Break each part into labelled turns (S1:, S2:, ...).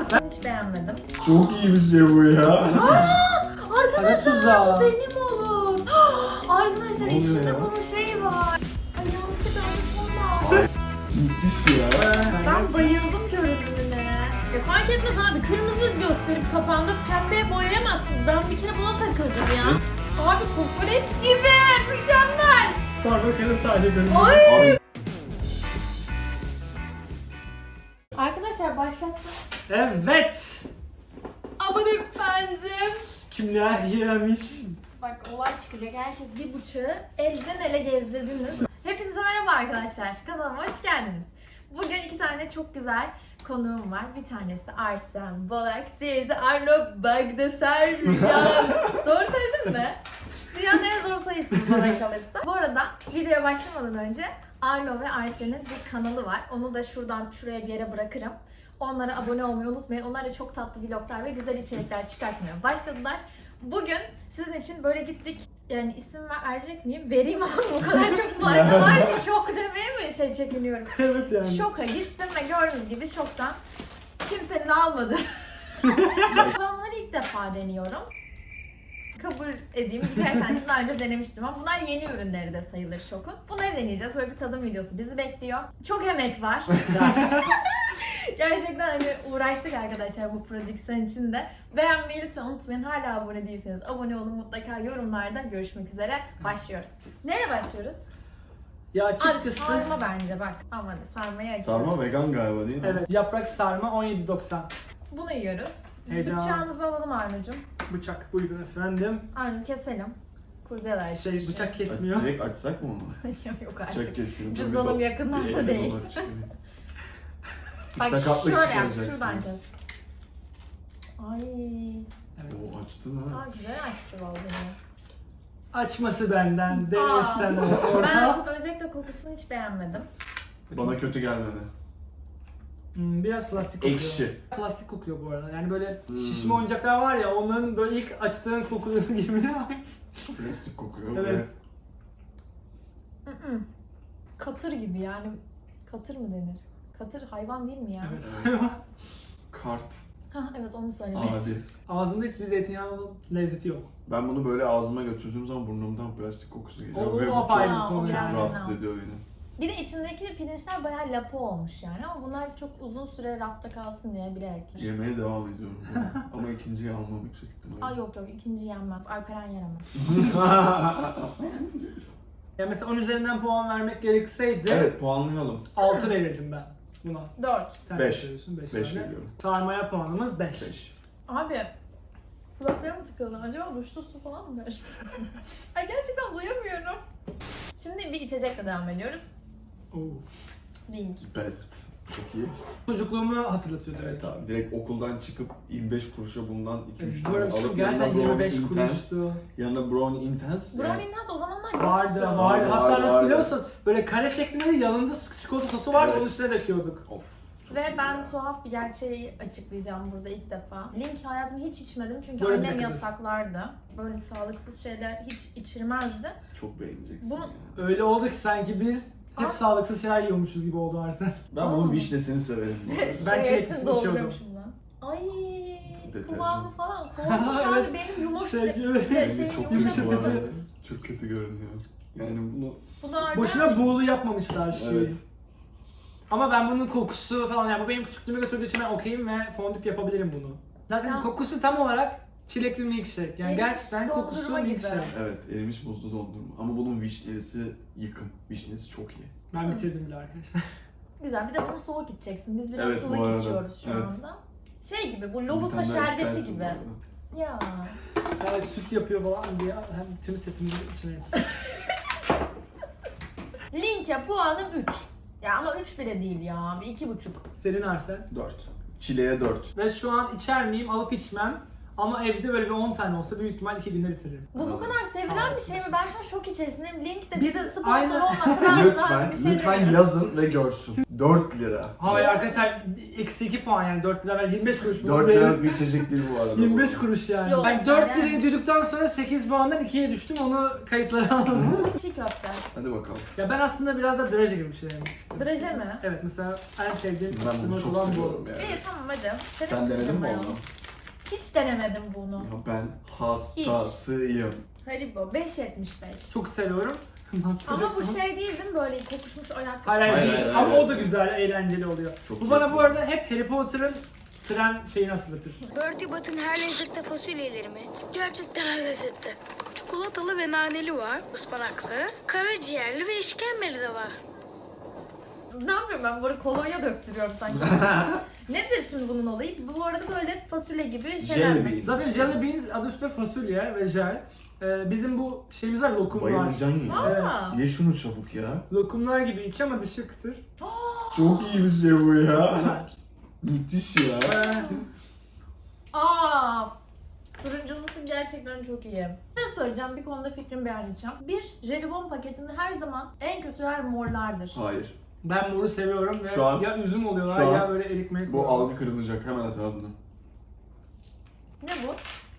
S1: Ben hiç beğenmedim.
S2: Çok iyi bir şey bu ya.
S1: Arkadaşlar bu benim olur. Arkadaşlar
S2: Ne oluyor
S1: içinde
S2: ya?
S1: bunun şeyi var. Ay yanlışlıkla unutma.
S2: Müthiş ya.
S1: Ben bayıldım görünümüne. Ya fark etmez abi, kırmızı gösterip kafanda pembeye boyayamazsınız. Ben bir kere buna takıldım ya. Abi kokoreç gibi mükemmel.
S3: Starbucks'ın sadece görünüyor.
S1: Ay.
S2: Abi
S1: Arkadaşlar başlattım.
S3: Evet.
S1: Aman efendim.
S3: Kimler yemiş?
S1: Bak olay çıkacak. Herkes bir bıçağı elden ele gezdirdiniz. Hepinize merhaba arkadaşlar. Kanalıma hoş geldiniz. Bugün iki tane çok güzel konuğum var. Bir tanesi Arsene Bolak, diğeri de Arlo Bagdasaryan. Doğru söyledim mi? Dünyanın en zor soy ismi bana kalırsa. Bu arada videoya başlamadan önce Arlo ve Arsen'in bir kanalı var. Onu da şuraya bir yere bırakırım. Onlara abone olmayı unutmayın. Onlar da çok tatlı vloglar ve güzel içerikler çıkartmaya başladılar. Bugün sizin için böyle gittik. Yani isim verecek miyim? Vereyim ama o kadar çok marka var ki şok demeye mi çekiniyorum.
S3: Evet yani.
S1: Şoka gittim ve gördüğünüz gibi şoktan kimsenin almadı. Ben bunları ilk defa deniyorum. Kabul edeyim, birkaç tanesini daha önce denemiştim ama bunlar yeni ürünleri de sayılır Şok'un. Bunları deneyeceğiz. Böyle bir tadım videosu bizi bekliyor. Çok emek var. Gerçekten hani uğraştık arkadaşlar bu prodüksiyon için de. Beğenmeyi lütfen unutmayın. Hala abone değilseniz abone olun. Mutlaka yorumlarda görüşmek üzere. Başlıyoruz. Nereye başlıyoruz?
S3: Ya
S1: Abi
S3: açıkçası...
S1: sarma bence bak. Aman hadi sarmayı açıyoruz.
S2: sarma vegan galiba değil mi?
S3: Evet, yaprak sarma 17.90.
S1: Bunu yiyoruz.
S3: Heyecan.
S1: Bıçağımızı alalım Arnucuğum.
S3: Bıçak buyurun efendim.
S1: Arnu keselim. Kurcalar.
S3: Şey bıçak kesmiyor.
S2: Direkt açsak mı onu?
S1: Yok artık.
S2: Bıçak kesmiyor.
S1: Cüzdanım yakından da değil. Bak
S2: Sakatlık
S1: şöyle yap,
S2: çıkaracaksınız.
S1: şuradan kes. Ay.
S3: Evet.
S2: Oo açtın ha.
S1: Aa güzel açtı vallahi.
S3: Açması benden,
S1: Aa.
S3: denesen orta.
S1: Ben özellikle kokusunu hiç beğenmedim.
S2: Bana kötü gelmedi.
S3: Biraz plastik kokuyor.
S2: Ekşi.
S3: Plastik kokuyor bu arada. Yani böyle şişme oyuncaklar var ya, onların böyle ilk açtığın kokuları gibi.
S2: Plastik kokuyor.
S3: Evet.
S1: Mm-mm. Katır gibi yani. Katır mı denir? Katır hayvan değil mi ya?
S3: Evet.
S2: Kart.
S1: Ha evet onu söylemek.
S2: Adi.
S3: Ağzında hiçbir zeytinyağı lezzeti yok.
S2: Ben bunu böyle ağzıma götürdüğüm zaman burnumdan plastik kokusu geliyor.
S3: O
S2: Ve bu
S3: apayrı
S2: çok,
S3: bir konu
S2: çok
S3: yani.
S2: rahatsız ediyor beni.
S1: Bir de içindeki pirinçler bayağı lapa olmuş yani ama bunlar çok uzun süre rafta kalsın diye bilerek.
S2: Yemeye devam ediyorum bunu. Ama ikinciyi almam yüksek ihtimalle.
S1: Aa yok ikinci yenmez. Alperen yer ama.
S3: Ya mesela 10 üzerinden puan vermek gerekseydi
S2: Evet puanlayalım.
S3: 6 verirdim ben buna.
S1: 4.
S3: Sen
S2: Beş.
S3: kaç veriyorsun? 5
S2: 5 veriyorum.
S3: Sarmaya puanımız 5.
S2: 5.
S1: Abi kulaklarım tıkalı. Acaba duşta su falan mı ver? Ay gerçekten duyamıyorum. Şimdi bir içecekle devam ediyoruz. Link.
S2: Best. Çok iyi.
S3: Çocukluğumu hatırlatıyordu.
S2: Evet abi direkt okuldan çıkıp 25 kuruşa bundan 2-3
S3: Bu
S2: tane
S3: arada
S2: alıp
S3: gerçekten
S2: yanına Brownie
S3: 25
S2: Intense.
S3: kuruştu.
S2: Yanına Brownie Intense.
S1: Brownie Intense o zamanlar
S3: Vardı,
S1: yoktu.
S3: vardı. Hatta
S2: Vardı,
S3: nasıl
S2: vardı.
S3: biliyorsun? Böyle kare şeklinde de yanında çikolata sosu vardı,
S2: Evet.
S3: onun üstüne döküyorduk.
S2: Of. çok
S1: Ve
S2: iyi
S1: ben
S2: ya.
S1: tuhaf bir gerçeği açıklayacağım burada ilk defa. Link hayatımda hiç içmedim çünkü
S3: Böyle
S1: annem
S3: bir
S1: yasaklardı. Böyle sağlıksız şeyler hiç içirmezdi.
S2: Çok beğeneceksin
S1: Bunu-
S2: ya.
S3: Öyle oldu ki sanki biz hep
S1: Aa.
S3: sağlıksız şeyler yiyormuşuz gibi oldu Arsene.
S2: Ben bunun vişnesini severim. bu arada.
S3: Ben
S1: Hepsini
S3: çileklisini içiyordum.
S1: dolduruyormuşum lan. Ay
S2: Deterjan.
S1: kıvamı falan korkunç abi
S3: Evet.
S1: benim yumurta
S3: Şey gibi.
S2: Rengi çok kötü bu
S3: yumuşatıcı.
S2: arada. Çok kötü görünüyor. Yani bunu...
S1: Bu da
S3: Boşuna buğulu yapmamışlar şeyi.
S2: Evet.
S3: Ama ben bunun kokusu falan, yani bu benim küçüklüğüme götürdüğü için ben okeyim ve fondip yapabilirim bunu. Zaten
S1: Ya.
S3: kokusu tam olarak çilekli milkshake. Yani
S1: Erimiş
S3: gerçekten kokusu
S1: dondurma gibi.
S3: milkshake.
S2: Evet erimiş buzlu dondurma. Ama bunun vişnesi yıkım. Vişnesi çok iyi.
S3: Ben bitirdim bile arkadaşlar.
S1: Güzel bir de bunu soğuk içeceksin. Biz biraz
S2: Evet, bu
S1: ılık
S2: arada.
S1: içiyoruz şu
S2: Evet.
S1: anda. Şey gibi bu
S2: Bir
S1: lobusa
S2: tane daha
S1: şerbeti
S2: istersin bu
S1: gibi.
S2: arada.
S1: Ya.
S3: Yani süt yapıyor falan diye hem tüm setimizi içmeyelim.
S1: Link'e puanım 3. Ya ama 3 bile değil ya. Bir 2,5.
S3: Senin Arsene.
S2: 4. Çileğe 4.
S3: Ve şu an içer miyim? Alıp içmem. Ama evde böyle bir 10 tane olsa büyük ihtimal 2 günde bitiririm.
S1: Bu kadar sevilen bir şey mi? Ben şu an şok içerisindeyim. Link de
S3: Biz
S1: bize sponsor
S3: aynen-
S1: olmasa ben
S2: Lütfen,
S1: bir şey
S2: lütfen
S1: demiyorum.
S2: yazın ve görsün. 4 lira.
S3: Hayır arkadaşlar eksi 2 puan yani 4 lira ben 25 kuruş.
S2: 4 liralık bir içecek değil bu arada.
S3: 25 kuruş yani.
S1: Yok,
S3: ben
S1: mesela
S3: 4
S1: yani.
S3: lirayı duyduktan sonra 8 puandan 2'ye düştüm onu kayıtlara aldım.
S1: Çiğ köfte.
S2: Hadi bakalım.
S3: Ya ben aslında biraz da draje gibi bir şey yemek istedim.
S1: Draje mi?
S3: Evet mesela en sevdiğim
S2: Ben bunu çok
S3: olan bu.
S2: seviyorum yani.
S1: İyi tamam hadi.
S2: Sen denedin mi
S1: ya.
S2: onu?
S1: Hiç denemedim bunu.
S2: Ya ben hastasıyım.
S1: Haribo 5.75.
S3: Çok seviyorum.
S1: Ama bu şey değil değil mi böyle kokuşmuş ayakkabı?
S3: Hayır,
S2: Hayır,
S3: değil.
S2: hayır,
S3: Ama
S2: hayır.
S3: o da güzel, eğlenceli oluyor.
S2: Çok
S3: Bu bana
S2: keyifli.
S3: bu arada hep Harry Potter'ın tren şeyini hatırlatır.
S4: Bertie Bat'ın her lezzette fasulyeleri mi? Gerçekten her lezzette. Çikolatalı ve naneli var, ıspanaklı. Karaciğerli ve işkembeli de var.
S1: Ne yapıyorum ben? Bu arada kolonya döktürüyorum sanki. Nedir şimdi bunun olayı? Bu arada böyle fasulye gibi şeyler
S2: Jelly
S1: mi?
S2: beans.
S3: Zaten jelly beans adı üstünde fasulye ve jel. Bizim bu şeyimiz var lokumlar.
S2: Bayılacaksın ya.
S1: Aa.
S2: Ye şunu çabuk ya.
S3: Lokumlar gibi içi ama dışı kıtır.
S2: Çok iyi bir şey bu ya.
S3: Güzel.
S2: Müthiş ya.
S1: Aa! Turunculusu gerçekten çok iyi. Ne söyleyeceğim? Bir konuda fikrimi beyan edeceğim. Bir, jelibon paketinde her zaman en kötüler morlardır.
S2: Hayır.
S3: Ben moru seviyorum ve
S2: Şu an-
S3: ya üzüm oluyorlar
S2: şu an
S3: ya böyle erikmek
S2: Bu
S3: oluyorlar.
S2: algı kırılacak. Hemen at ağzına.
S1: Ne bu?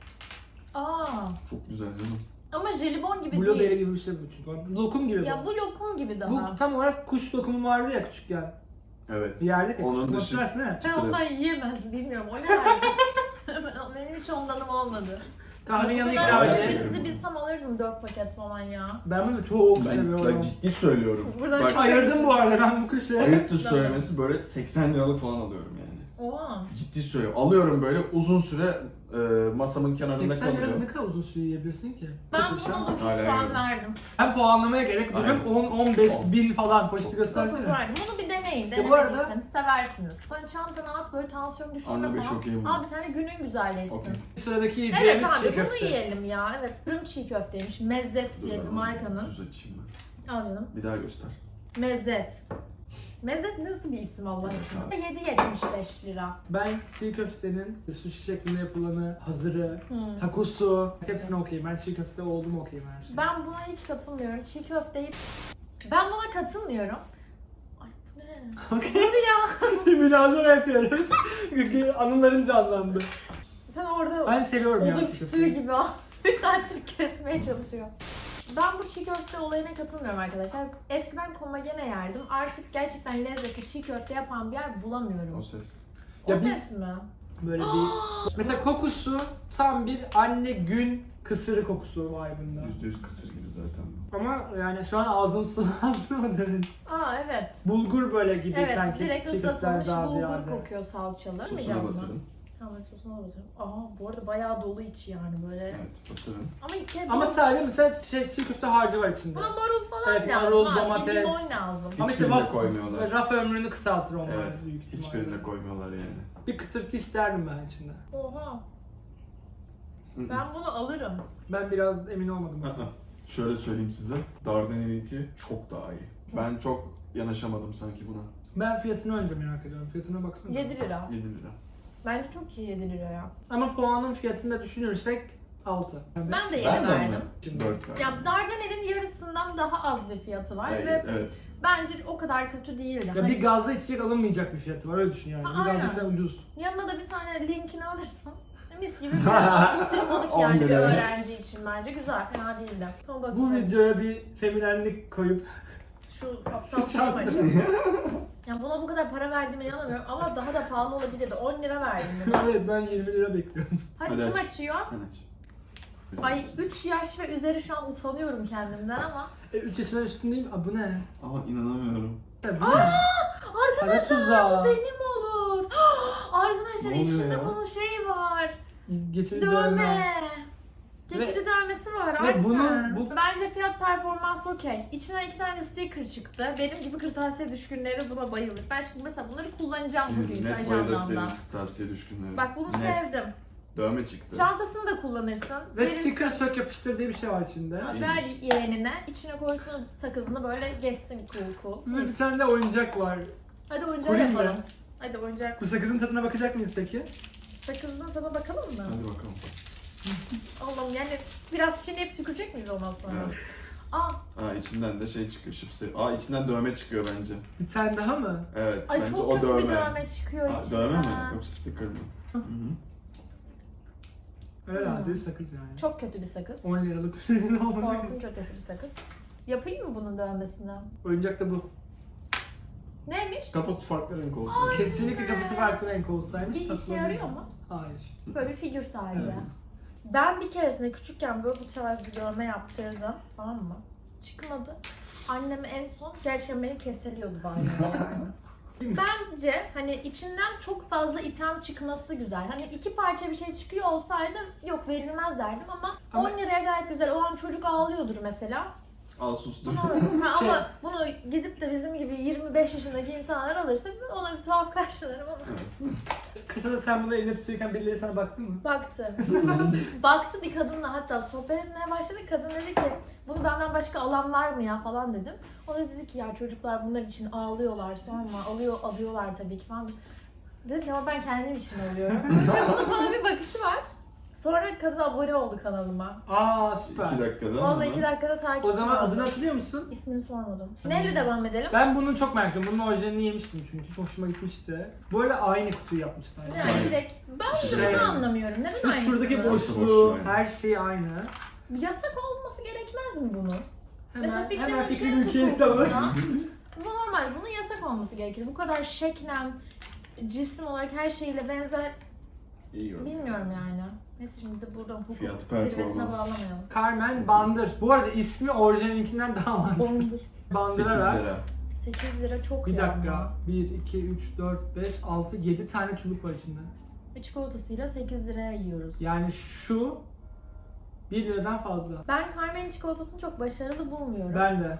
S1: Aa!
S2: Çok güzel canım.
S1: Ama jelibon gibi
S3: Blueberry
S1: değil.
S3: gibi bir şey bu çünkü. Lokum gibi
S1: Ya
S3: bu.
S1: bu lokum gibi daha.
S3: Bu tam olarak kuş lokumu vardı ya küçükken.
S2: Evet.
S3: Yerdeki
S2: Onun
S3: kuş
S2: dışı-
S3: hatırlarsın değil mi?
S1: Ben ondan yiyemezdim bilmiyorum. O ne verdi? Benim hiç ondanım olmadı.
S3: Kahvenin yanına
S1: Bu
S3: ikram
S1: kadar
S2: Hala
S3: edeyim.
S2: seviyorum
S1: bizi
S2: bunu.
S1: bilsem alırdım 4 paket falan ya.
S3: Ben bunu çok
S2: Ben
S3: seviyorum.
S2: ciddi söylüyorum.
S1: Buradan
S2: Bak
S1: çok-
S3: Ayırdım bu arada ben bu kuşu.
S2: ayıptır söylemesi böyle 80 liralık falan alıyorum yani.
S1: Oha.
S2: Ciddi söylüyorum. Alıyorum böyle uzun süre masamın kenarında
S3: 80 lira
S2: kalıyor.
S3: ne kadar uzun süre yiyebilirsin ki?
S1: Ben
S3: Kötü bir şey
S1: buna
S3: ama.
S1: 9
S2: Hala
S1: puan
S2: yiyorum.
S1: verdim.
S3: Ben puanlamaya gerek yok.
S2: Aynen.
S3: 10-15 bin falan poşeti
S2: Çok
S1: 9
S3: göstersene.
S1: verdim. Bunu bir deneyin.
S3: Ya bu arada-
S1: Denemediyseniz seversiniz. Sonra çantana at böyle tansiyon düşürme
S2: Anne Bey
S1: falan.
S2: çok iyi bu.
S1: Al bir tane günün güzelleşsin.
S2: Okey.
S3: Sıradaki
S1: Evet
S3: yiyeceğimiz
S1: abi
S3: çiğ
S1: bunu
S3: köfte.
S1: yiyelim ya. Evet. Fırın çiğ köfteymiş. Mezzet
S2: Dur
S1: diye
S2: ben
S1: bir
S2: onu
S1: markanın.
S2: Düz açayım ben.
S1: Al canım.
S2: Bir daha göster.
S1: Mezzet. Mezzet nasıl bir isim Allah aşkına? 7.75 lira.
S3: Ben çiğ köftenin sushi şeklinde yapılanı, hazırı,
S1: Hmm.
S3: takosu hepsini okuyayım. Ben çiğ köfte oldum okuyayım her şeyi.
S1: Ben buna hiç katılmıyorum. Çiğ köfteyi... Ben buna katılmıyorum. Ay bu ne?
S3: Okey.
S1: Hadi ya.
S3: Münazara yapıyoruz. Anıların canlandı.
S1: Sen orada
S3: Ben seviyorum ya
S1: odun
S3: çiğ
S1: kütüğü
S3: köfteyi.
S1: gibi al. Bir saattir kesmeye çalışıyor. Ben bu çiğ köfte olayına katılmıyorum arkadaşlar. Eskiden komagene yerdim. Artık gerçekten lezzetli çiğ köfte yapan bir yer
S2: O
S1: bulamıyorum.
S2: ses.
S1: O
S3: Ya biz-
S1: ses mi?
S3: Böyle bir... Mesela kokusu tam bir anne gün kısırı kokusu vibe'ında.
S2: %100 kısır gibi zaten bu.
S3: Ama yani şu an ağzım sulandı mı demin?
S1: Aa evet.
S3: Bulgur böyle gibi
S1: Evet
S3: sanki.
S1: direkt
S3: çiğ köfteler
S1: ıslatılmış
S3: daha
S1: bulgur
S3: ziyade.
S1: kokuyor salçalı.
S2: Sosuna
S1: Mıyacağız mı?
S2: batırın.
S1: Tamam sosuna batırın. Aa bu arada bayağı dolu içi yani böyle.
S2: Evet batırın.
S1: Ama ilk kere
S3: Ama sadece mesela çiğ köfte harcı var içinde.
S1: buna marul falan
S3: Evet,
S1: lazım.
S3: marul,
S1: ha,
S3: domates.
S1: limon lazım.
S3: Ama işte
S2: Hiçbirinde
S3: vaf-
S2: koymuyorlar.
S3: Raf ömrünü kısaltır onlar
S2: Evet.
S3: büyük ihtimalle.
S2: Hiçbirinde koymuyorlar yani.
S3: Bir kıtırtı isterdim ben içinde.
S1: Oha.
S2: Hı hı.
S1: Ben bunu alırım.
S3: Ben biraz emin olmadım.
S2: Şöyle söyleyeyim size. Dardanel'inki çok daha iyi. Ben çok yanaşamadım sanki buna.
S3: Ben fiyatını önce merak ediyorum. Fiyatına baksana.
S1: 7 lira.
S2: 7 lira.
S1: Bence çok iyi 7 lira ya.
S3: Ama puanın fiyatını da düşünürsek 6.
S1: Ben de 7
S2: Ben de
S1: verdim.
S2: mi? 4 verdim.
S1: Ya Dardanel'in yarısından daha az bir fiyatı var ve
S2: Evet.
S1: bence o kadar kötü değildi.
S3: Ya
S1: Hani
S3: bir gazda içecek alınmayacak bir fiyatı var öyle düşün yani.
S1: Ha,
S3: Bir
S1: aynen.
S3: gazda içecek ucuz.
S1: yanına da bir tane linkini alırsın. Mis gibi bir atıştırmalık
S2: 10
S1: yani bir
S2: lira.
S1: öğrenci için bence güzel, fena değildi. Son
S3: Bu
S1: bakın.
S3: videoya bir feminenlik koyup
S1: Şu aptal
S3: Şu
S1: çanta.
S3: çanta.
S1: Ya buna bu kadar para verdiğime inanamıyorum ama daha da pahalı olabilirdi. 10 lira verdim buna.
S3: evet ben 20 lira bekliyorum.
S1: Hadi
S2: Hadi
S1: kim
S2: aç.
S1: açıyor?
S2: Sen aç.
S1: Ay 3 yaş ve üzeri şu an utanıyorum kendimden ama.
S3: 3 yaşından üstündeyim. Aa bu ne?
S2: Ama inanamıyorum.
S3: Tabii. Bu ne? Para
S1: Arkadaşlar
S3: tuzağı.
S1: bu benim olur. Arkadaşlar
S2: Ne oluyor
S1: içinde
S2: ya?
S1: bunun şeyi var.
S3: Geçici
S1: Dövme.
S3: dövme.
S1: Geçici dövmesi var
S3: ve
S1: Arsene.
S3: bu-
S1: Bence fiyat performans okey. İçinden 2 tane sticker çıktı. Benim gibi kırtasiye düşkünleri buna bayılır. Ben şimdi mesela bunları kullanacağım bugün
S2: Şimdi net bayılır senin
S1: ajandamda.
S2: tavsiye düşkünleri.
S1: Bak bunu
S2: Net.
S1: sevdim.
S2: Dövme çıktı.
S1: Çantasını da kullanırsın.
S3: Ve
S1: Verirsin.
S3: sticker sök yapıştır diye bir şey var içinde.
S1: Ver yeğenine, içine koysun sakızını böyle geçsin cool.
S3: Ve bir tane de oyuncak var.
S1: Hadi oyuncağı
S3: Koyayım mı?
S1: yapalım. Hadi oyuncak.
S3: Bu sakızın tadına bakacak mıyız peki?
S1: Sakızın tadına bakalım mı?
S2: Hadi bakalım.
S1: Allah'ım yani biraz şimdi hep tükürecek miyiz ondan sonra?
S2: Evet.
S1: Aa,
S2: içinden de şey çıkıyor, şipsi. İçinden dövme çıkıyor bence.
S3: Bir tane daha mı?
S2: Evet,
S1: ay
S2: bence
S1: çok
S2: o
S1: kötü
S2: dövme.
S1: bir dövme çıkıyor içinden.
S2: Dövme mi? Yoksa sticker mı? Hı hı.
S3: Herhalde bir sakız yani.
S1: Çok kötü bir sakız.
S3: 10 liralık bir şey olmadı.
S1: Korkunç ötesi bir sakız. Yapayım mı bunun dövmesini?
S3: Oyuncak da bu.
S1: Neymiş?
S2: Kafası farklı renk olsun.
S3: Kesinlikle kafası farklı renk olsaymış.
S1: Bir işe
S3: tasarım-
S1: yarıyor mu?
S3: Hayır.
S1: Böyle bir figür sadece.
S3: Evet.
S1: Ben bir keresinde küçükken böyle bu tarz bir dövme yaptırdım. Tamam mı? Çıkmadı. Annem en son gerçekten beni keseliyordu banyoda yani. Bence hani içinden çok fazla item çıkması güzel. Hani 2 parça bir şey çıkıyor olsaydı yok verilmez derdim ama
S3: Ama-
S1: 10 liraya gayet güzel. O an çocuk ağlıyordur mesela.
S2: Al sustur.
S1: Bunu alırsın. Ha,
S3: Şey-
S1: ama bunu gidip de bizim gibi 25 yaşındaki insanlar alırsa ona bir tuhaf karşılarım ama.
S2: Evet.
S3: Kasada sen bunu eline tutuyorken birileri sana baktı mı?
S1: Baktı. Baktı bir kadınla hatta sohbet etmeye başladık. Kadın dedi ki bunu benden başka alan var mı ya falan dedim. O da dedi ki ya çocuklar bunlar için ağlıyorlar sonra alıyorlar tabii ki falan. Dedim ki ama ben kendim için alıyorum. Bunun bana bir bakışı var. Sonra kadın abone oldu kanalıma.
S3: Aa süper.
S2: 2 dakikada.
S1: Vallahi
S2: ama.
S1: 2 dakikada takip
S3: O zaman
S1: oldu.
S3: adını hatırlıyor musun?
S1: İsmini sormadım. Neyle devam edelim?
S3: Ben bunu çok merak ediyorum. Bunun orijinalini yemiştim çünkü. Çok hoşuma gitmişti. Bu arada aynı kutuyu yapmışlar.
S1: Yani direkt ben de
S3: Şey-
S1: bunu anlamıyorum. Neden
S3: İşte
S1: aynısı?
S3: şuradaki
S2: boşluğu,
S3: boşluğu,
S2: aynı.
S3: her şey aynı.
S1: Yasak olması gerekmez mi bunun? Mesela
S3: Hemen,
S1: Fikri
S3: hemen
S1: Ülke'nin
S3: Fikri Ülke'yi kitabı.
S1: hukukunda bu normal. Bunun yasak olması gerekir. Bu kadar şeklen, cisim olarak her şeyle benzer
S2: İyi yorum.
S1: bilmiyorum yani. Neyse şimdi de buradan hukuk
S2: Fiyat
S1: zirvesine
S2: performans.
S1: bağlamayalım.
S3: Carmen Bandır. Bu arada ismi orijinalinkinden daha mantıklı.
S1: Bondur.
S3: Bandıra
S2: 8
S3: ver.
S2: lira.
S1: 8 lira çok
S3: Bir
S1: ya.
S3: dakika. 1, 2, 3, 4, 5, 6, 7 tane çubuk var içinde.
S1: Ve çikolatasıyla 8 liraya yiyoruz.
S3: Yani şu 1 liradan fazla.
S1: Ben Carmen'in çikolatasını çok başarılı bulmuyorum.
S3: Ben de.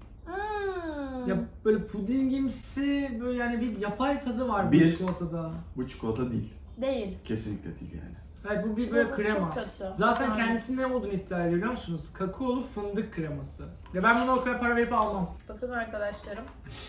S1: Hmm.
S3: Ya böyle pudingimsi böyle yani bir yapay tadı var bu
S2: Bir.
S3: çikolatada.
S2: Bu çikolata değil.
S1: Değil.
S2: Kesinlikle değil yani.
S3: Evet bu bir böyle
S1: Çikolatası
S3: krema.
S1: çok kötü.
S3: Zaten
S1: Yani.
S3: kendisinin ne olduğunu iddia ediyor biliyor musunuz? Kakaolu fındık kreması. Ya ben bunu o kadar para verip almam.
S1: Bakın arkadaşlarım.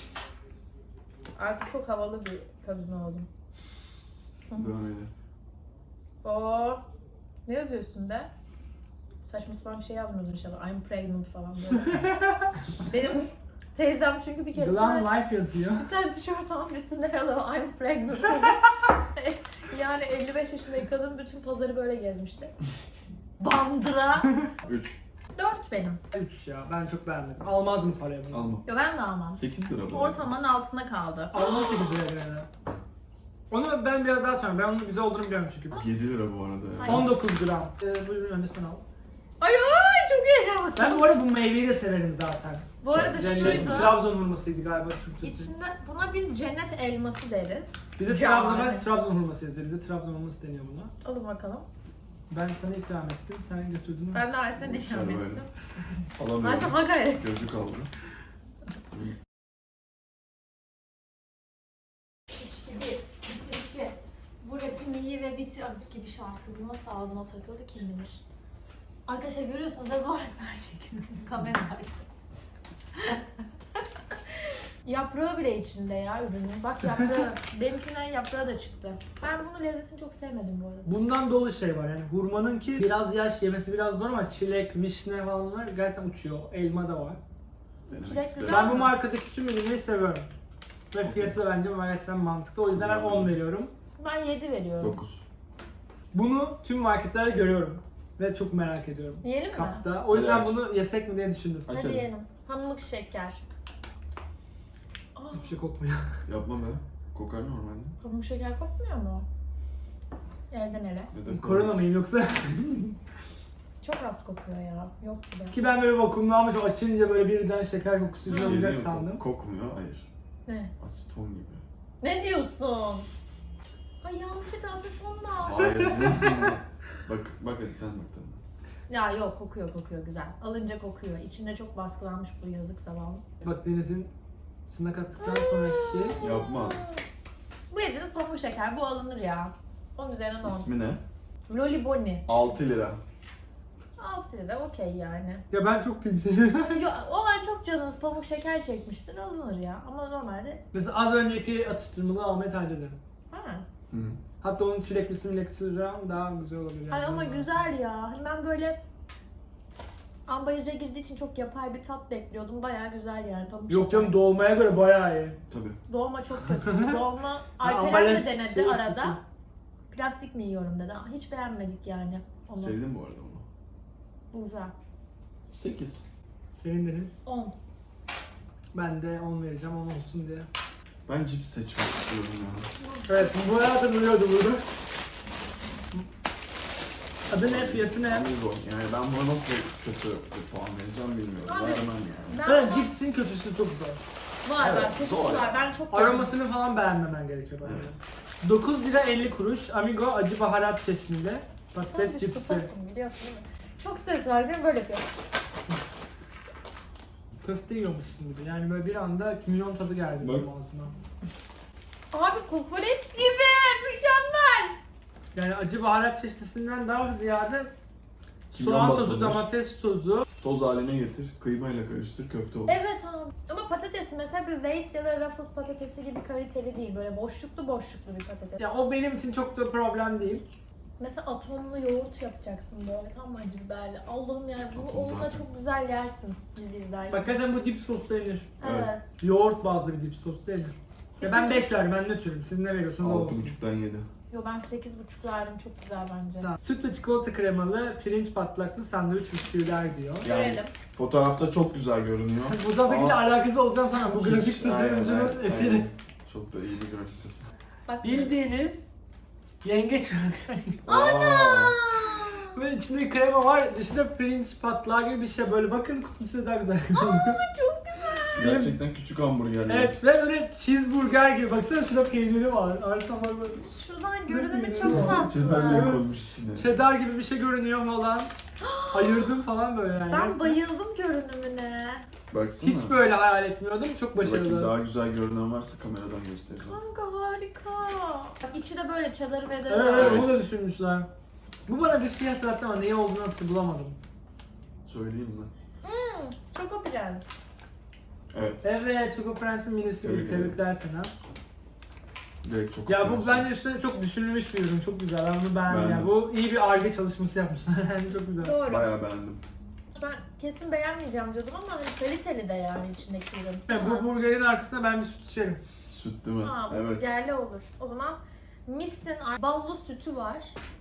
S1: Artık çok havalı bir kadın oldum.
S2: Devam edelim.
S1: Oo. Ne yazıyor üstünde? Saçma sapan bir şey yazmıyordun inşallah. I'm pregnant falan böyle. Benim teyzem çünkü bir kere
S3: Glam Life yazıyor.
S1: bir tane tişört almış üstünde hello I'm pregnant yazıyor. Yani 55 yaşındaki kadın bütün pazarı böyle gezmişti. Bandıra.
S2: 3.
S1: 4 benim.
S3: 3 ya ben çok beğenmedim. Almazdım parayı bunu.
S2: Alma.
S1: Yo ben de almam.
S2: 8 lira bu.
S1: Ortalamanın altında kaldı.
S3: Almam 8 liraya yani. Onu ben biraz daha sonra. Ben onun güzel olduğunu biliyorum çünkü.
S2: 7 lira bu arada ya.
S1: Hayır.
S3: 19 gram. Buyurun önce sen al.
S1: Ay ay çok heyecanlı.
S3: Ben bu arada bu meyveyi de severim zaten.
S1: Bu arada
S3: Cennet,
S1: şuydu.
S3: Trabzon hurmasıydı galiba Türkçesi.
S1: İçinde buna biz cennet elması deriz.
S3: Bize
S1: Can.
S3: Trabzon hurması yazıyor. Bize Trabzon hurması deniyor buna.
S1: Alın bakalım.
S3: Ben sana ikram ettim, sen götürdün mü?
S1: Ben de Arsen'e
S2: Boş ver
S1: ikram
S2: böyle.
S1: ettim. Arsen
S2: Alamıyorum.
S1: ha gayret.
S2: Gözü kaldı.
S1: 3 gibi bitirişi. Bu rapim iyi ve bitir gibi şarkı. Bu nasıl ağzıma takıldı kim bilir. Arkadaşlar görüyorsunuz ne zor rapler çekiyorum. Kamera arkası. Yaprağı bile içinde ya ürünün. Bak yaprağı. Benimkinden yaprağı da çıktı. Ben bunun lezzetini çok sevmedim bu arada.
S3: Bundan dolu şey var yani hurmanınki biraz yaş yemesi biraz zor ama çilek, vişne falanlar gerçekten uçuyor. Elma da var.
S2: Denemek
S1: Çilek
S2: isterim.
S1: güzel.
S3: Ben bu markadaki tüm ürünleri seviyorum. Ve fiyatı da bence gerçekten mantıklı. O yüzden ben 10 veriyorum.
S1: Ben 7 veriyorum.
S2: 9.
S3: Bunu tüm marketlerde görüyorum. Ve çok merak ediyorum.
S1: Yiyelim mi?
S3: Kapta. O yüzden
S2: Evet.
S3: bunu yesek mi diye düşündüm.
S1: Hadi
S2: Açalım.
S1: yiyelim. Pamuk şeker. Aa,
S3: Hiçbir şey kokmuyor.
S2: Yapma be. Kokar normalde.
S1: pamuk şeker kokmuyor mu? Elden ele.
S2: Neden
S3: Korona mıyım yoksa?
S1: Çok az kokuyor ya. Yok gibi.
S3: Ki ben böyle vakumlu almış açınca böyle birden şeker kokusu
S2: Bir şey
S3: olacak
S2: değil mi?
S3: sandım.
S2: Kokmuyor. Hayır.
S1: Ne?
S2: Aseton gibi.
S1: Ne diyorsun? Ay yanlışlıkla aseton mu aldın?
S2: Hayır. bak hadi sen bak tadına.
S1: Ya yok kokuyor güzel. Alınca kokuyor. İçinde çok baskılanmış bu yazık zavallı.
S3: Bak Deniz'in sına kattıktan sonraki
S2: Yapma.
S1: Bu yediğiniz pamuk şeker. Bu alınır ya. Onun üzerine 10.
S2: İsmi ne?
S1: Loliboni.
S2: 6 lira.
S1: 6 lira okey yani.
S3: ya ben çok pintiyim.
S1: Yo, o an çok canınız pamuk şeker çekmiştir alınır ya. Ama normalde...
S3: Mesela az önceki atıştırmalığı almayı tercih ederim.
S1: Ha.
S2: Hı.
S3: Hatta onun çileklisi mileklisi daha güzel olabilir. Yani.
S1: Ay ama güzel ya. Hani ben böyle ambalaja girdiği için çok yapay bir tat bekliyordum. Bayağı güzel yani. Pamuk
S3: Yok
S1: şeker.
S3: canım, doğmaya göre bayağı iyi.
S2: Tabii.
S1: Doğma çok kötü. Doğma Alperen
S3: ambalaj
S1: de denedi
S3: şey
S1: arada.
S3: kötü.
S1: Plastik mi yiyorum dedi. Hiç beğenmedik yani onu.
S2: Sevdim bu arada onu.
S1: Bu güzel.
S2: 8.
S3: Senin Deniz.
S1: 10.
S3: Ben de 10 vereceğim, 10 olsun diye.
S2: Ben cips seçmek istiyorum ya.
S3: Evet, bu arada duruyordu burada. Adı ne, fiyatı ne?
S2: Amigo. Yani ben buna nasıl kötü bir puan vereceğim bilmiyorum.
S1: Abi,
S2: Vermem yani.
S1: Ben
S3: Evet, cipsin kötüsü çok zor.
S1: var
S2: Evet,
S1: var. Kötüsü
S2: zor.
S1: var. Ben çok
S3: Aromasını falan beğenmemen gerekiyor bence.
S2: Evet.
S3: 9 lira 50 kuruş. Amigo acı baharat çeşnili
S1: Sen
S3: patates
S1: bir
S3: cipsi.
S1: susasın biliyorsun değil mi? Çok ses var değil mi? Böyle yapıyor.
S3: Köfte yiyormuşsun gibi. Yani böyle bir anda kimyon tadı geldi
S2: Bak.
S3: benim ağzıma.
S1: Abi kokoreç gibi. Mükemmel.
S3: Yani acı baharat çeşnisinden daha ziyade
S2: Kimyon
S3: soğan tozu,
S2: basılmış.
S3: domates tozu.
S2: Toz haline getir, kıymayla karıştır, köfte olur.
S1: Evet abi. Ama patatesi mesela bir Lay's ya da Ruffles patatesi gibi kaliteli değil. Böyle boşluklu bir patates.
S3: Ya o benim için çok da problem değil.
S1: Mesela atomlu yoğurt yapacaksın böyle tam acı biberli. Allah'ım yani bunu
S2: Atom
S1: onunla
S2: zaten.
S1: çok güzel yersin dizi izlerken.
S3: Bak gerçekten bu dip sos denir.
S1: Evet.
S3: Yoğurt bazlı bir dip sos denir. Ya ben 5 verdim, ben nötrüm. Siz ne veriyorsunuz o olsun.
S2: 6,5'dan 7.
S1: Yo ben 8,5 verdim çok güzel bence.
S3: Tamam. Süt ve çikolata kremalı pirinç patlaklı sandviç bisküviler diyor.
S2: Yani
S1: Görelim.
S2: fotoğrafta çok güzel görünüyor.
S3: Bu tadakiyle
S2: Ama
S3: alakası olacağını sanmam. Bu grafik
S2: hiç- aynen,
S3: tasarımcının
S2: aynen,
S3: eseri.
S2: aynen. Çok da iyi bir grafik tasarım.
S1: Bak.
S3: Bildiğiniz yengeç
S2: Aa,
S3: ve içinde krema var, dışında pirinç patlağı gibi bir şey. Böyle bakın, kutunun içinde daha güzel.
S1: Çok güzel.
S2: gerçekten küçük hamburgerler.
S3: Evet ve böyle cheeseburger gibi. Baksana şurada peyniri var. Arasam var böyle.
S1: Şuradan görünümü
S3: Bilmiyorum.
S1: çok
S2: Çedarlığı
S1: tatlı.
S2: koymuş içine.
S3: Cheddar gibi bir şey görünüyor falan. Ayırdım falan böyle yani.
S1: Ben
S3: Gerçekten
S1: bayıldım görünümüne.
S2: Baksana.
S3: hiç böyle hayal etmiyordum. Çok
S2: Dur bakayım,
S3: başarılı.
S2: daha güzel görünen varsa kameradan göstereceğim.
S1: Kanka harika. Bak içi de böyle çadır ve
S3: Evet,
S1: var.
S3: evet, onu da düşünmüşler. Bu bana bir şey hatırlattı ama neyi olduğunu bulamadım.
S2: Söyleyeyim mi?
S1: Çoko prens.
S2: Evet.
S3: Evet, Choco Prens'in minisi gibi.
S2: Tebrik ederim.
S3: Tebrikler sana.
S2: Direkt çok
S3: Ya bu
S2: prens.
S3: bence üstüne çok düşünülmüş bir ürün. Çok güzel. Ben bunu beğendim.
S2: Beğendim.
S3: Yani bu iyi bir Ar-Ge çalışması yapmışlar. Yani çok güzel.
S1: Doğru.
S2: Bayağı beğendim.
S1: Ben kesin beğenmeyeceğim diyordum ama hani kaliteli de yani içindeki ürün.
S3: Yani bu burgerin arkasına ben bir süt içerim.
S2: Süt değil mi?
S1: Ha, bu
S2: Evet.
S1: yerli olur. O zaman Miss'in ballı sütü var.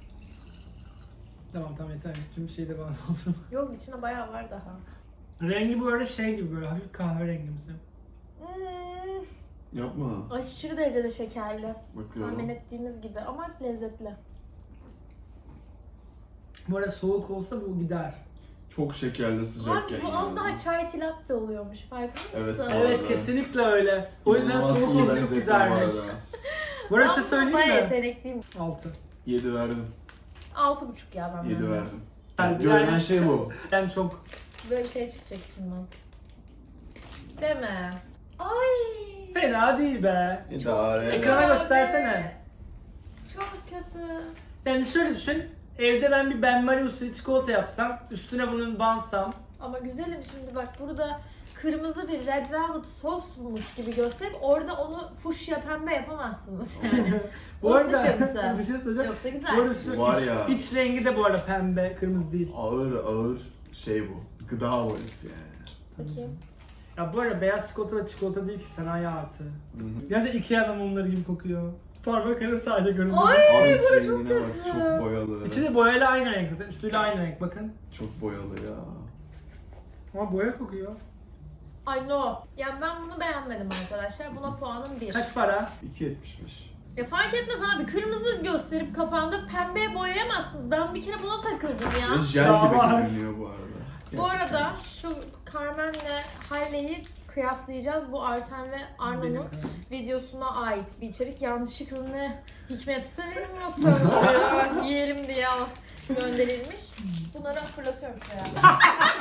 S3: Tamam yeter. Tüm bir şey de bana oldu.
S1: Yok içinde bayağı var daha.
S3: Rengi bu arada şey gibi, böyle hafif kahverengimsi.
S2: Yapma.
S1: Aşırı derecede şekerli.
S2: Bakıyorum.
S1: Tahmin ettiğimiz gibi ama lezzetli.
S3: Bu arada soğuk olsa bu gider.
S2: Çok şekerli sıcakken
S1: Abi bu az daha çay tilatte oluyormuş farkında mısın?
S2: Evet,
S3: Evet,
S2: arada.
S3: kesinlikle öyle. O yüzden
S2: İnanılmaz
S3: soğuk
S2: iyi
S3: olsa çok
S2: benzetme bu
S3: gidermiş.
S2: arada.
S3: Bu arada bir şey
S1: Ben
S3: söyleyeyim
S1: bayağı
S3: mi?
S1: yetenekliyim.
S3: 6.
S2: 7 verdim.
S1: 6,5 ya ben.
S2: 7
S1: böyle.
S2: verdim.
S3: Yani-
S2: Görünen şey bu.
S3: Yani çok.
S1: Böyle bir şey çıkacak içinden. Deme. Ay.
S3: Fena değil be.
S2: İdare.
S3: Ekrana göstersene.
S1: Çok kötü.
S3: Yani şöyle düşün. Evde ben bir Ben Marie usulü çikolata yapsam, üstüne bunun bansam.
S1: Ama güzelim şimdi bak burada kırmızı bir red velvet sosmuş gibi gösterip orada onu fuşya pembe yapamazsınız yani.
S3: Bu
S1: O
S3: arada
S1: sıkıntı.
S3: bir şey söyleyeceğim.
S1: Yoksa
S3: Bu
S1: güzel.
S3: arada şu
S2: Var
S3: iç,
S2: ya.
S3: iç rengi de bu arada pembe, kırmızı değil.
S2: Ağır şey bu. Gıda boyası yani.
S1: Bakayım.
S3: Ya bu arada beyaz çikolata da çikolata değil ki, sanayi artı.
S2: Hı hı.
S3: Gerçekten Ikea mumları gibi kokuyor. Parmak arası sadece görünüyor.
S1: Ay
S2: Abi iç
S1: bu çok
S2: rengine bak,
S1: kötü.
S2: çok boyalı.
S3: İçi de boyayla aynı renk zaten, üstüyle aynı renk bakın.
S2: Çok boyalı ya.
S3: Ama boya kokuyor.
S1: Ay no. Yani ben bunu beğenmedim arkadaşlar. Buna puanım 1.
S3: Kaç para?
S2: 2.75.
S1: Ya fark etmez abi. Kırmızı gösterip kapağında pembeye boyayamazsınız. Ben bir kere buna takıldım ya.
S2: Ve jel
S3: Daha
S2: gibi
S3: var.
S2: görünüyor bu arada.
S1: Bu
S2: Gerçekten.
S1: arada şu Carmen'le Halle'yi kıyaslayacağız. Bu Arsen ve Arno'nun
S3: Benim.
S1: videosuna ait bir içerik. Yanlışlıkla ne hikmetse bilmiyorsan yiyelim diye gönderilmiş. Bunları fırlatıyorum şuraya.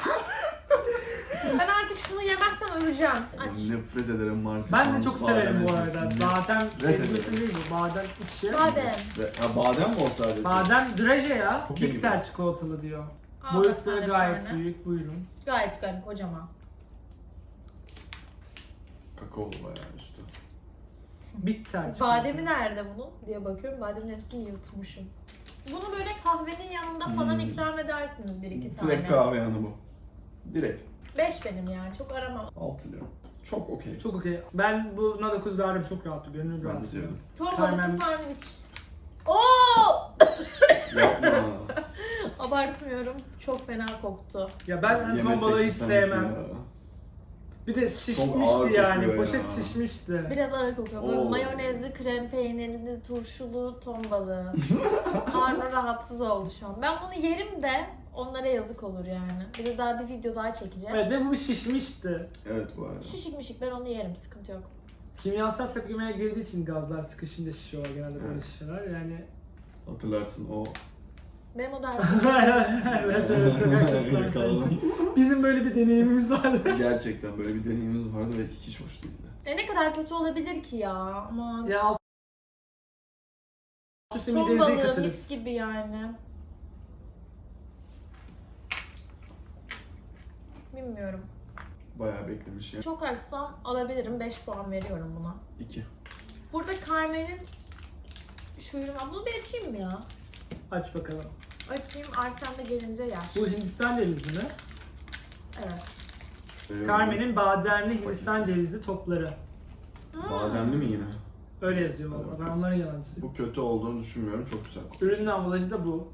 S1: Ben artık şunu yemezsem öleceğim. Aç.
S2: Nefret ederim Mars.
S3: Ben de çok severim bu arada. Badem
S2: Red
S3: ezmesi
S2: ederim.
S3: değil bu. Badem içi.
S1: Badem.
S2: Ha, badem mi o sadece?
S3: Badem draje ya.
S2: Çok iyi
S3: Bitter çikolatalı diyor.
S1: Al
S3: Boyutları
S1: bak,
S3: gayet
S1: tane.
S3: büyük. Buyurun.
S1: Gayet gayet kocaman.
S2: Kakao bayağı üstü.
S3: Bitter.
S1: Bademi nerede bunun diye bakıyorum. Bademin hepsini yutmuşum. Bunu böyle kahvenin yanında falan ikram edersiniz bir iki tane.
S2: Direkt kahve yanı bu. Direkt.
S1: 5 benim yani çok aramam.
S2: 6 lira. Çok okey.
S3: Çok okey. Ben buna 9 verdim, çok rahat. Gönül rahat.
S2: Ben de sevdim.
S1: Ton
S3: Carmen-
S1: balıklı sandviç. Oo!
S2: Yapma.
S1: Abartmıyorum. Çok fena koktu.
S3: Ya ben ton
S2: Yemesek
S3: balığı
S2: mi
S3: hiç
S2: sanki
S3: sevmem.
S2: ya?
S3: Bir de
S2: ağır
S3: şişmişti yani.
S2: kokuyor
S3: Poşet
S2: ya.
S3: şişmişti.
S1: Biraz ağır kokuyor. Böyle
S2: Oo.
S1: mayonezli, krem peynirli, turşulu ton balığı. Karnı rahatsız oldu şu an. Ben bunu yerim de onlara yazık olur yani. Bir de daha bir video daha çekeceğiz.
S3: Evet ve bu şişmişti.
S2: Evet bu arada.
S1: Şişik mişik ben onu yerim, sıkıntı yok.
S3: Kimyasal tepkimeye girdiği için gazlar sıkışınca şişiyorlar genelde böyle
S2: Evet.
S3: şişeler yani.
S2: Hatırlarsın o.
S1: Benim o dersim.
S3: evet çok haklısın.
S2: Yakaladım.
S3: Bizim böyle bir deneyimimiz vardı.
S2: Gerçekten böyle bir deneyimimiz vardı ve hiç hoş değildi.
S1: Ne kadar kötü olabilir ki ya? Aman.
S3: Ya alt üstü
S1: Ton
S3: midenize
S1: balığı
S3: yıkatırız.
S1: mis gibi yani. Bilmiyorum.
S2: Bayağı beklemiş ya.
S1: Çok açsam alabilirim. 5 puan veriyorum buna.
S2: 2.
S1: Burada Carmen'in şu ürün var. Bunu bir açayım mı ya?
S3: Aç bakalım.
S1: Açayım. Arslan da gelince yer.
S3: Bu Hindistan cevizi mi?
S1: Evet.
S3: Carmen'in bademli Hindistan cevizi topları.
S2: Bademli mi yine?
S3: Öyle yazıyor valla. Ben onların yalancısıyım.
S2: Bu kötü olduğunu düşünmüyorum. Çok güzel kokuyor.
S3: Ürünün ambalajı da bu.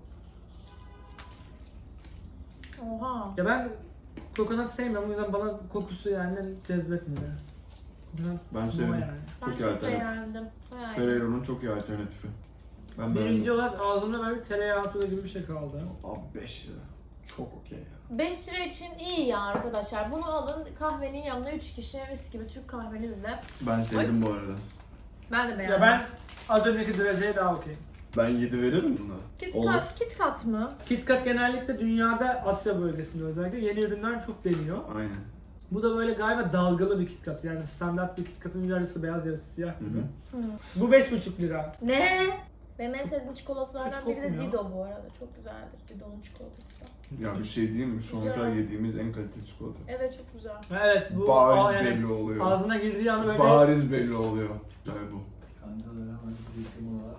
S1: Oha.
S3: Ya ben kokonat sevmiyorum, o yüzden bana kokusu yani cezbetmedi. Kokonat
S2: Ben
S3: bu
S2: sevdim.
S3: yani.
S1: Ben
S2: Çok iyi
S1: çok
S2: alternatif.
S1: beğendim. Bayağı iyi.
S2: Ferrero'nun çok iyi alternatifi. Ben
S3: Birinci
S2: beğendim.
S3: olarak ağzımda böyle bir tereyağı tuzu gibi bir şey kaldı.
S2: Abi 5 lira. Çok okey ya.
S1: 5 lira için iyi ya arkadaşlar. Bunu alın kahvenin yanına 3 kişi mis gibi Türk kahvenizle.
S2: Ben sevdim bu arada.
S1: Ben de beğendim.
S3: Ya ben az önceki dereceye daha okey.
S2: Ben 7 veririm buna.
S1: Kit
S2: Olur.
S1: Kat, Kit Kat mı?
S3: KitKat genellikle dünyada Asya bölgesinde özellikle yeni ürünler çok deniyor.
S2: Aynen.
S3: Bu da böyle galiba dalgalı bir KitKat, yani standart bir KitKat'ın yarısı beyaz yarısı siyah gibi.
S2: Hı hı.
S1: Hı.
S3: Bu 5,5 lira.
S1: Ne? Benim en sevdiğim çikolatalardan
S3: Hiç
S1: biri de
S3: kokmuyor.
S1: Dido bu arada. Çok güzeldir Dido'nun çikolatası da.
S2: Ya bir şey diyeyim mi? Şu ana
S1: Güzel.
S2: kadar yediğimiz en kaliteli çikolata.
S1: Evet çok güzel.
S3: Evet bu
S2: Bariz
S3: yani
S2: belli oluyor.
S3: ağzına girdiği anda böyle
S2: Bariz belli oluyor. Güzel bu.
S5: Kancalara hemen gittim ona.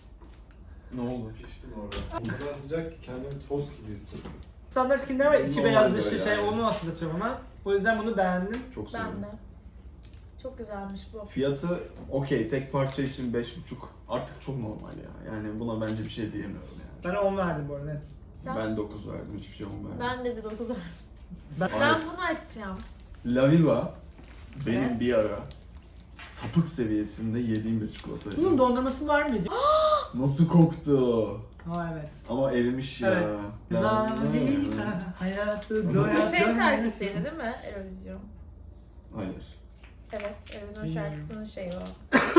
S2: Ne oldu?
S5: Piştim orada. O kadar sıcak ki kendimi toz gibi hissettim.
S3: standart Kinder var, içi
S2: Normal
S3: beyaz
S2: böyle
S3: dışı şey,
S2: yani.
S3: onu hatırlatıyor bana. O yüzden bunu beğendim.
S2: Çok sevdim.
S1: Ben de. Çok güzelmiş bu.
S2: Fiyatı okey, tek parça için 5,5 artık çok normal ya. Yani buna bence bir şey diyemiyorum yani.
S3: Ben 10 verdim bu arada net.
S1: Sen?
S2: Ben 9 verdim, hiçbir şey olmadı.
S1: Ben de bir 9 verdim.
S3: Ben,
S2: Ay.
S1: Ben bunu açacağım.
S2: La Viva benim
S1: Evet.
S2: bir ara sapık seviyesinde yediğim bir çikolata.
S3: bunun dondurması var mıydı?
S2: Nasıl koktu?
S3: Ha evet.
S2: Ama erimiş ya.
S3: Evet. La vida, hayatı doya
S1: Bu şey
S3: doya.
S1: şarkısıydı değil mi? Eurovision.
S2: Hayır.
S1: Evet, Eurovision
S3: Bilmiyorum.
S1: şarkısının şeyi o.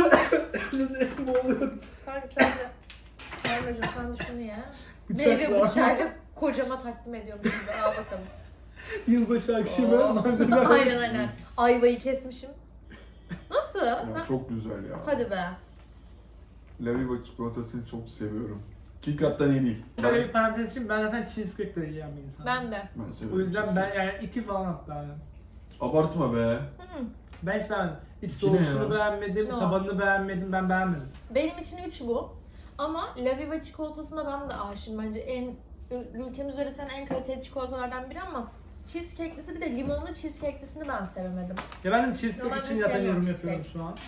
S3: Boğuluyorum.
S1: Kanka sen de... Sermacığım sen de şunu ye.
S3: Bıçakla.
S1: Meyve bıçağıyla kocama takdim ediyorum şimdi. Al bakalım.
S3: Yılbaşı akşamı
S1: Oo.
S3: mandalina.
S1: Aynen aynen. Ayvayı kesmişim. Nasıl?
S2: Ya
S1: Ha?
S2: çok güzel ya.
S1: Hadi be.
S2: La Viva çikolatasını çok seviyorum. KitKat'tan iyi değil.
S3: Şöyle bir parantez için, ben zaten cheesecake de yiyen bir insanım.
S1: Ben de.
S2: Ben seviyorum.
S3: O yüzden
S2: cheesecake.
S3: ben yani 2 falan hatta yani.
S2: Abartma be.
S1: Hı.
S3: Ben hiç beğenmedim. İç
S2: İki ne
S3: soğusunu
S2: ya?
S3: beğenmedim,
S1: No.
S3: tabanını beğenmedim, ben beğenmedim.
S1: Benim için 3 bu. Ama La Viva çikolatasına ben de aşığım. Bence ülkemizde üretilen en kaliteli çikolatalardan biri ama cheesecake'lisi bir de limonlu cheesecake'lisini ben sevemedim.
S3: Ya ben de cheesecake
S1: Normalde
S3: için zaten
S1: sevmiyorum
S3: yorum yapıyorum
S1: cheesecake.
S3: şu an.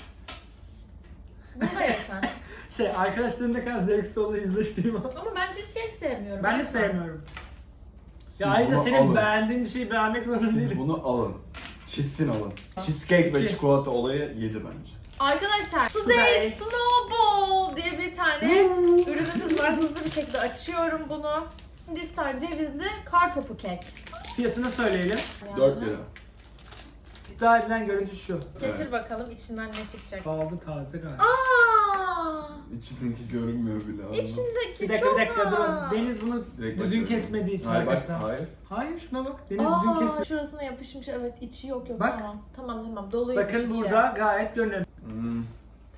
S1: Bunu da yesen.
S3: Şey, arkadaşlarım ne kadar zevksiz olduğu yüzleştiğim an.
S1: Ama ben cheesecake sevmiyorum.
S3: Ben de
S1: Yesen.
S3: sevmiyorum.
S2: Siz
S3: Ya ayrıca
S2: bunu
S3: senin
S2: alın.
S3: beğendiğin bir şeyi beğenmek zorunda
S2: Siz
S3: değilim.
S2: bunu alın. Kesin alın. Cheesecake ve
S3: İki.
S2: çikolata olayı 7 bence.
S1: Arkadaşlar
S3: Today.
S1: Today Snowball diye bir tane ürünümüz var. Hızlı bir şekilde açıyorum bunu. Hindistan cevizli kartopu kek.
S3: Fiyatını söyleyelim.
S2: 4 lira.
S3: İddia edilen görüntü şu.
S1: Getir
S2: Evet.
S1: bakalım içinden ne çıkacak.
S3: Kaldı taze galiba.
S1: Aa!
S2: İçindeki görünmüyor bile. abi.
S1: İçindeki
S3: Bir dakika
S1: çok
S3: bir dakika
S1: az.
S3: durun. Deniz bunu
S2: Direkt
S3: düzgün
S2: bakıyorum.
S3: kesmediği için
S2: Hayır bak,
S3: arkadaşlar.
S2: hayır.
S3: Hayır şuna bak. Deniz düzgün kesmedi.
S1: Şurasına yapışmış. Evet içi yok yok.
S3: Bak.
S1: Tamam doluymuş
S3: Bakın
S1: içi.
S3: burada gayet görünüyor.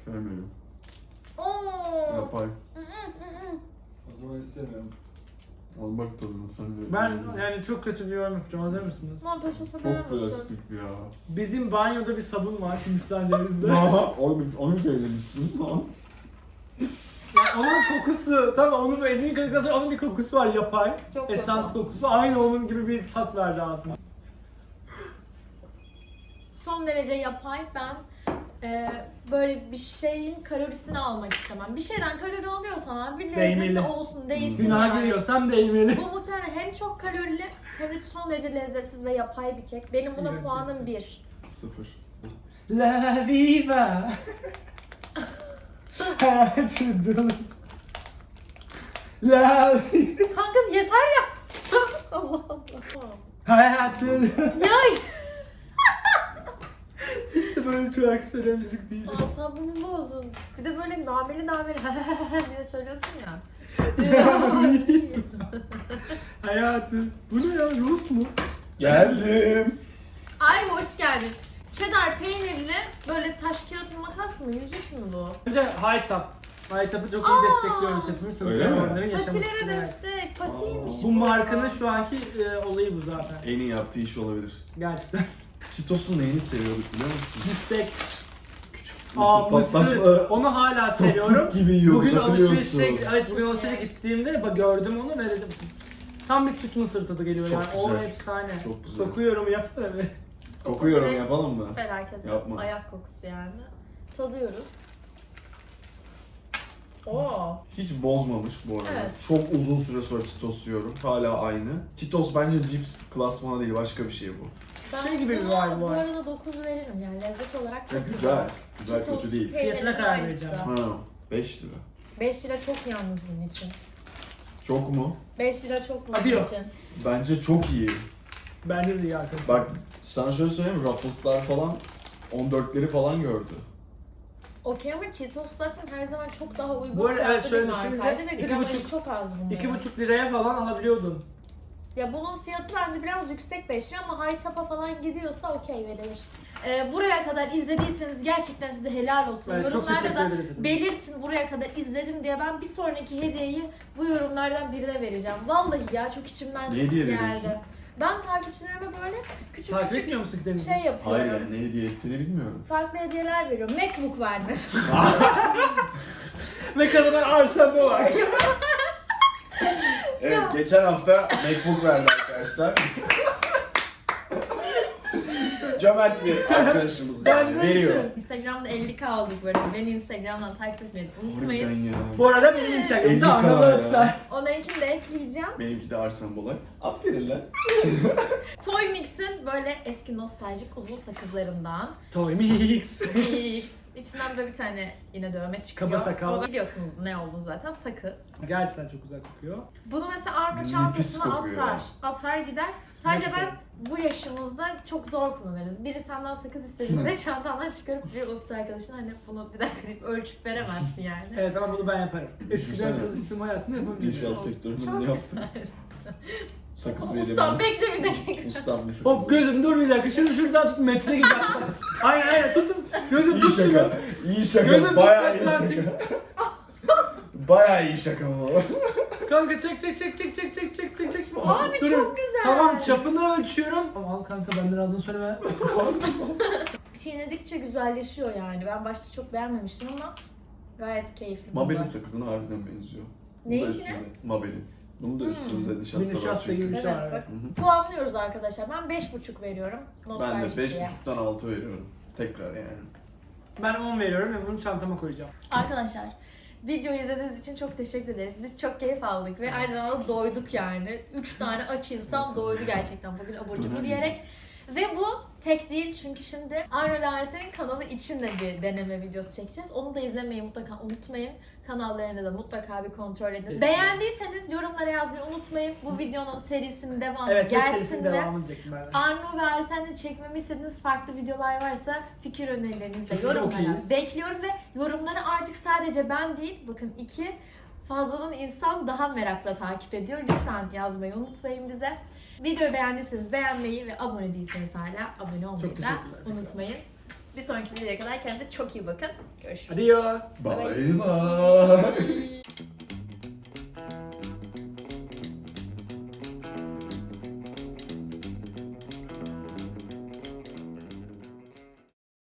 S2: Görmüyorum.
S1: Oo.
S2: Yapay.
S1: Hı hı hı hı.
S5: O zaman istemiyorum.
S2: Al bak tadına sen de.
S3: Ben yani çok kötü bir yorum yapacağım. Hazır mısınız?
S1: Lan peşin
S2: Çok
S1: falan
S2: plastik ya.
S3: Bizim banyoda bir sabun var Hindistan cevizli.
S2: Onu söylemiştim.
S3: Yani onun kokusu, tamam onun elini yıkadıktan sonra onun bir kokusu var yapay.
S1: Çok
S3: Esans
S1: kötü.
S3: kokusu aynı onun gibi bir tat verdi ağzıma.
S1: Son derece yapay. Ben böyle bir şeyin kalorisini almak istemem. Bir şeyden kalori alıyorsam abi bir lezzeti
S3: Değmeli.
S1: olsun, değilsin
S3: Günaha
S1: yani.
S3: giriyorsam değmeli.
S1: Bu muhtemelen hem çok kalorili hem de son derece lezzetsiz ve yapay bir kek. Benim buna
S3: Evet,
S1: puanım 1.
S2: 0.
S3: La viva. Hayatım. La viva.
S1: Kanka yeter ya. Allah Allah.
S3: Hayatım.
S1: Ya
S3: İşte böyle şarkı söyleyen müzik değil.
S1: asabımı bozdun. Bir de böyle nameli diye söylüyorsun ya.
S3: Hayatım. Bu ne ya? Rus mu?
S2: Geldim.
S1: Ay hoş geldin. Cheddar peynirli böyle taş kağıt makas mı? Yüzük mü bu?
S3: Önce High Top. High Top'u çok iyi destekliyoruz hepimiz.
S2: Öyle mi?
S3: Onların yaşaması
S1: Patilere
S3: için.
S1: destek. Patiymiş
S3: Bu markanın şu anki olayı bu zaten.
S2: En iyi yaptığı iş olabilir.
S3: Gerçekten.
S2: Cheetos'un neyini seviyorduk biliyor musun?
S3: Biftek.
S2: Küçük
S3: Aa mısır.
S2: patlaklı
S3: Onu hala
S2: sapık
S3: seviyorum.
S2: gibi yiyorduk,
S3: Bugün
S2: hatırlıyorsun.
S3: alışverişe gittiğimde gördüm onu ve dedim tam bir süt mısır tadı geliyor
S2: Çok
S3: yani. O
S2: güzel.
S3: efsane.
S2: Çok güzel.
S3: Sokuyorum yapsana be.
S2: Kokuyorum yapalım mı?
S1: Felaket.
S2: Yapma.
S1: Ayak kokusu yani. Tadıyoruz. Oo.
S2: Hiç bozmamış bu arada.
S1: Evet.
S2: Çok uzun süre sonra Cheetos yiyorum. Hala aynı. Cheetos bence cips klasmanı değil, başka bir şey bu.
S1: Ben
S3: Şey gibi bir
S1: buna
S3: vibe
S1: bu
S3: var.
S1: arada 9 veririm yani lezzet olarak
S2: Ya
S1: çok
S2: güzel. Güzel
S1: Cheetos
S2: kötü değil.
S1: peynirinin
S3: Fiyatına karar
S1: aynısı.
S3: vereceğim.
S2: Ha, 5 lira.
S1: 5 lira çok yalnız bunun için.
S2: Çok mu?
S1: 5 lira çok bunun
S3: Hadi yok.
S1: için.
S2: Bence çok iyi.
S3: Bence de iyi arkadaşlar.
S2: Bak sana şöyle söyleyeyim, Ruffles'lar falan 14'leri falan gördü.
S1: Okey ama Cheetos zaten her zaman çok daha uygun
S3: Bu arada evet,
S1: fiyatlı
S3: şöyle
S1: bir
S3: düşününce
S1: markaydı ve
S3: 2,5
S1: gramajı çok az bunların.
S3: 2,5 liraya falan alabiliyordun.
S1: Ya bunun fiyatı bence biraz yüksek 5 lira ama high top'a falan gidiyorsa okey verilir. Buraya kadar izlediyseniz gerçekten size helal olsun.
S3: Evet, çok
S1: Yorumlarda
S3: teşekkür
S1: da
S3: ederiz efendim.
S1: belirtin buraya kadar izledim diye ben bir sonraki hediyeyi bu yorumlardan birine vereceğim. Vallahi ya çok içimden
S2: Ne hediye
S1: geldi.
S2: veriyorsun?
S1: Ben takipçilerime böyle küçük
S3: Takip
S1: küçük
S3: etmiyor musun Deniz?
S1: şey yapıyorum.
S2: Hayır yani ne hediye ettiğini bilmiyorum.
S1: Farklı hediyeler veriyorum. MacBook verdim.
S3: Ve kadına arsamda var.
S2: Evet, geçen hafta MacBook verdi arkadaşlar. Cömert bir arkadaşımız yani, veriyor.
S1: Instagram'da 50K olduk böyle. Beni Instagram'dan takip etmeyi unutmayın.
S2: Harbiden ya.
S3: Bu arada benim Instagram'da
S2: 50K
S3: anlamazsa.
S2: ya.
S1: Onlarınkini de ekleyeceğim.
S2: Benimki de Arslan Bolay. Aferin lan.
S1: Toy Mix'in böyle eski nostaljik uzun sakızlarından.
S3: Toy Mix.
S1: Mix. İçinden böyle bir tane yine dövme çıkıyor.
S3: Kaba sakal.
S1: Ama biliyorsunuz ne olduğunu zaten, sakız.
S3: Gerçekten çok güzel kokuyor.
S1: Bunu mesela Arno
S2: Nefis
S1: çantasına
S2: kokuyor.
S1: atar gider. Sadece
S3: Nefis
S1: ben bu yaşımızda çok zor kullanırız. Biri senden sakız istediğinde çantandan çıkarıp bir ofis arkadaşına hani bunu bir dakika deyip ölçüp veremezsin yani.
S3: Evet ama bunu ben yaparım. Eskiden
S2: Düşünsene.
S3: çalıştığım hayatımda yapabilirim.
S2: İnşaat sektöründe
S1: Çok
S2: ne yaptın?
S1: güzel.
S2: Sakız
S1: Ustam
S2: vereyim.
S1: bekle bir dakika.
S2: Ustam bir sakız.
S3: Hop gözüm dur bir dakika. Şunu şuradan tut metre gibi. aynen tutun. Gözüm
S2: İyi
S3: tut şunu.
S2: şaka. İyi şaka.
S3: Gözüm
S2: Bayağı iyi
S3: tutmak lazım.
S2: şaka. Bayağı iyi şaka bu.
S3: Kanka çek.
S1: Abi
S3: Dur.
S1: çok güzel.
S3: Tamam çapını ölçüyorum. Tamam al kanka benden aldığını söyleme.
S1: Çiğnedikçe güzelleşiyor yani. Ben başta çok beğenmemiştim ama gayet keyifli.
S2: Mabel'in
S1: bunda.
S2: sakızına harbiden benziyor. Bu da
S1: Neyine?
S2: üstünde. Mabel'in. Bunun da üstünde
S3: Bir
S2: nişasta var
S3: nişasta gibi
S2: çünkü.
S3: bir şey
S1: Evet
S3: var.
S1: bak.
S2: Hı hı.
S1: Puanlıyoruz arkadaşlar. Ben 5,5 veriyorum.
S2: Ben
S1: Nostaljik
S2: de
S1: diye.
S2: 5.5'tan 6 veriyorum. Tekrar yani.
S3: Ben 10 veriyorum ve bunu çantama koyacağım.
S1: Arkadaşlar videoyu izlediğiniz için çok teşekkür ederiz. Biz çok keyif aldık ve aynı zamanda doyduk yani. 3 tane aç insan doydu gerçekten bugün abur cubur yiyerek. Ve bu tek değil çünkü şimdi Arno ile Arsen'in kanalı için de bir deneme videosu çekeceğiz. Onu da izlemeyi mutlaka unutmayın. Kanallarını da mutlaka bir kontrol edin.
S3: Evet.
S1: Beğendiyseniz yorumlara yazmayı unutmayın. Bu videonun serisinin devamı
S3: Evet ve
S1: gelsin
S3: serisinin
S1: ve
S3: devamını çektim ben.
S1: Arno ve Arsen'le çekmemi istediğiniz farklı videolar varsa fikir önerilerinizi de
S3: Kesinlikle
S1: yorumlara
S3: okeyiz.
S1: bekliyorum ve yorumları artık sadece ben değil, bakın 2 fazladan insan daha merakla takip ediyor. Lütfen yazmayı unutmayın bize. Videoyu beğendiyseniz beğenmeyi ve abone değilseniz hala abone olmayı
S3: Çok
S1: da
S3: teşekkürler.
S1: unutmayın. Bir sonraki videoya kadar kendinize çok iyi bakın. Görüşürüz.
S3: Hadi ya.
S2: Bye bye.